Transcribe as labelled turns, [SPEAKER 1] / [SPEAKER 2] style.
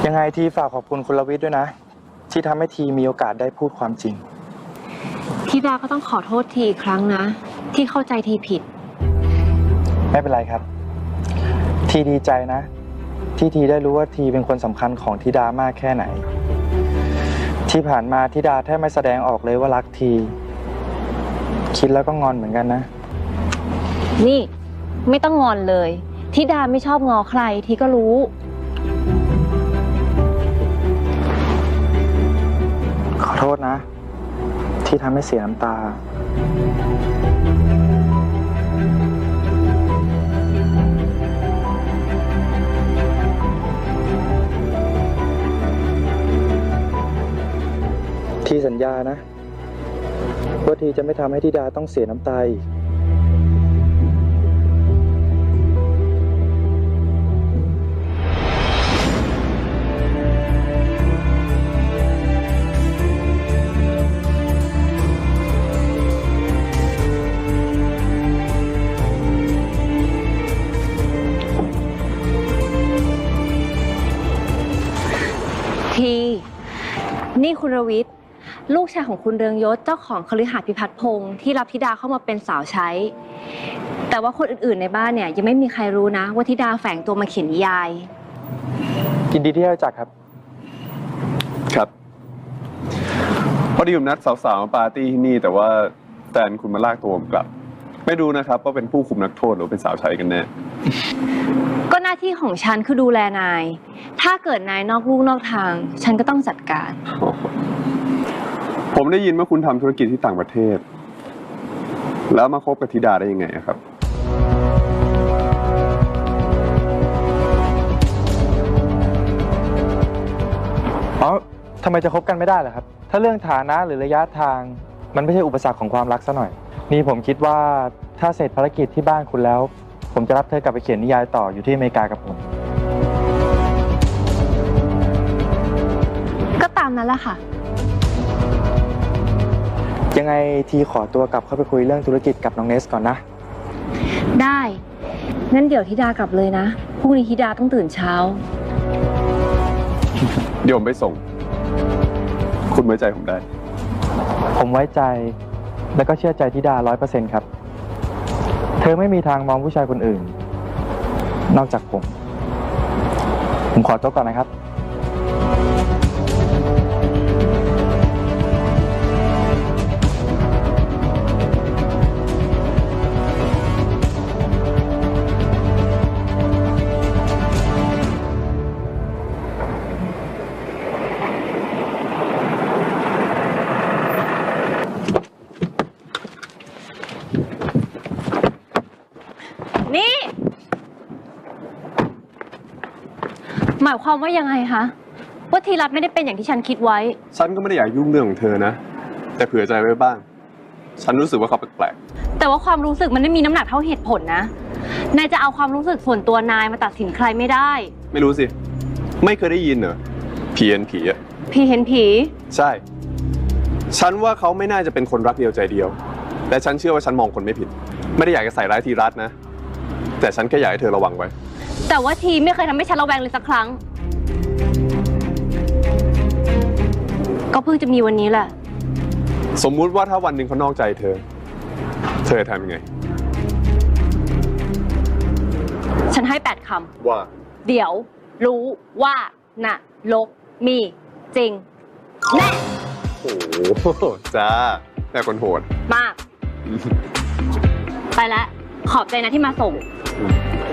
[SPEAKER 1] ยังไงทีฝากขอบคุณคุณลวิทย์ด้วยนะที่ทำให้ทีมีโอกาสได้พูดความจริง
[SPEAKER 2] ธิดาก็ต้องขอโทษทีอีกครั้งนะที่เข้าใจทีผิด
[SPEAKER 1] ไม่เป็นไรครับทีดีใจนะที่ทีได้รู้ว่าทีเป็นคนสำคัญของธิดามากแค่ไหนที่ผ่านมาธิดาแทบไม่แสดงออกเลยว่ารักทีคิดแล้วก็งอนเหมือนกันนะ
[SPEAKER 2] นี่ไม่ต้องงอนเลยธิดาไม่ชอบงอใครทีก็รู้
[SPEAKER 1] ขอโทษนะที่ทำให้เสียน้ำตาทีสัญญานะว่าทีจะไม่ทำให้ธิดาต้องเสียน้ำตาอีก
[SPEAKER 2] ทีนี่คุณรวิทย์ลูกชายของคุณเรืองยศเจ้าของคฤหาสน์พิพัฒน์พงศ์ที่รับธิดาเข้ามาเป็นสาวใช้แต่ว่าคนอื่นๆในบ้านเนี่ยยังไม่มีใครรู้นะว่าธิดาแฝงตัวมาเขียนนิยาย
[SPEAKER 1] ยินดีที่ได้รู้จักครับ
[SPEAKER 3] ครับพอดีผมนัดสาวๆมาปาร์ตี้ที่นี่แต่ว่าแฟนคุณมาลากตัวผมกลับไม่รู้นะครับว่าเป็นผู้คุมนักโทษหรือเป็นสาวใช้กันแน่
[SPEAKER 2] ก็หน้าที่ของฉันคือดูแลนายถ้าเกิดนายนอกลู่นอกทางฉันก็ต้องจัดการ
[SPEAKER 3] ผมได้ยินว่าคุณทำธุรกิจที่ต่างประเทศแล้วมาคบกับธิดาได้ยังไงครับ
[SPEAKER 1] อ๋อทำไมจะคบกันไม่ได้ล่ะครับถ้าเรื่องฐานะหรือระยะทางมันไม่ใช่อุปสรรคของความรักซะหน่อยนี่ผมคิดว่าถ้าเสร็จภารกิจที่บ้านคุณแล้วผมจะรับเธอกลับไปเขียนนิยายต่ออยู่ที่อเมริกากับผม
[SPEAKER 2] ก็ตามนั้นแหละค่ะ
[SPEAKER 1] ยังไงทีขอตัวกลับเข้าไปคุยเรื่องธุรกิจกับน้องเนสก่อนนะ
[SPEAKER 2] ได้งั้นเดี๋ยวธิดากลับเลยนะพรุ่งนี้ธิดาต้องตื่นเช้า
[SPEAKER 3] เดี๋ยวผมไปส่งคุณไว้ใจผมได้
[SPEAKER 1] ผมไว้ใจและก็เชื่อใจธิดา100%ครับเธอไม่มีทางมองผู้ชายคนอื่นนอกจากผมขอตัวก่อนนะครับ
[SPEAKER 2] นี่หมายความว่ายังไงคะว่าทีรัตไม่ได้เป็นอย่างที่ฉันคิดไว้
[SPEAKER 3] ฉันก็ไม่ได้อยากยุ่งเรื่องของเธอนะแต่เผื่อใจไว้บ้างฉันรู้สึกว่าเขาแปลก
[SPEAKER 2] ๆแต่ว่าความรู้สึกมันไม่มีน้ำหนักเท่าเหตุผลนะนายจะเอาความรู้สึกส่วนตัวนายมาตัดสินใครไม่ได้
[SPEAKER 3] ไม่รู้สิไม่เคยได้ยินเหรอผีเห็นผีอะ
[SPEAKER 2] ผีเห็นผี
[SPEAKER 3] ใช่ฉันว่าเขาไม่น่าจะเป็นคนรักเดียวใจเดียวและฉันเชื่อว่าฉันมองคนไม่ผิดไม่ได้อยากจะใส่ร้ายทีรัตนะแต่ฉันแค่อยากให้เธอระวังไว้
[SPEAKER 2] แต่ว่าทีไม่เคยทำให้ฉันระแวงเลยสักครั้งก็เพิ่งจะมีวันนี้แหละ
[SPEAKER 3] สมมุติว่าถ้าวันหนึ่งเขานอกใจเธอจะทำยังไง
[SPEAKER 2] ฉันให้8 คำ
[SPEAKER 3] ว่า
[SPEAKER 2] เดี๋ยวรู้ว่าน่ะลกมีจริงแน่
[SPEAKER 3] โอ้โหจ้าแม่คนโหด
[SPEAKER 2] มากไปแล้วขอบใจนะที่มาส่ง